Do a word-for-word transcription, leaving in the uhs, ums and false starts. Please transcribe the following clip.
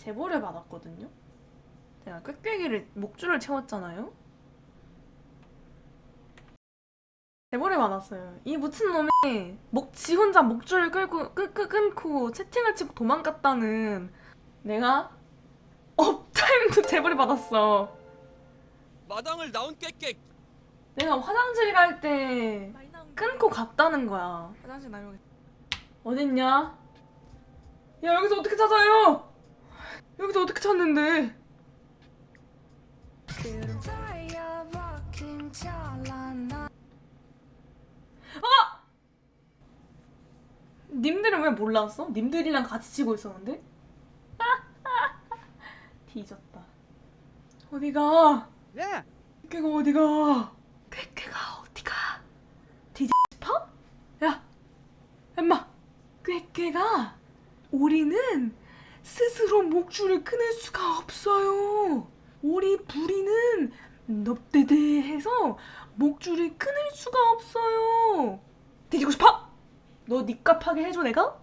제보를 받았거든요. 제가 꾀꾀기를 목줄을 채웠잖아요. 제보를 받았어요. 이 묻힌 놈이 목, 지 혼자 목줄을 끌고 끄, 끄, 끊고 채팅을 치고 도망갔다는 내가 업타임도 제보를 받았어. 마당을 나온 꽥꽥. 내가 화장실 갈 때 끊고 갔다는 거야. 화장실 나오겠. 어딨냐? 야, 여기서 어떻게 찾아요? 여기서 어떻게 찾는데? 아! 님들은 왜 몰랐어? 님들이랑 같이 치고 있었는데? 뒤졌다. 어디가? 예. 꾀꾀가 어디가? 꾀꾀가 어디가? 뒤지 싶어? 야! 엠마! 꾀꾀가 오리는 스스로 목줄을 끊을 수가 없어요. 오리 부리는 넙대대해서 목줄을 끊을 수가 없어요. 뒤지고 싶어? 너 니값하게 해줘 내가?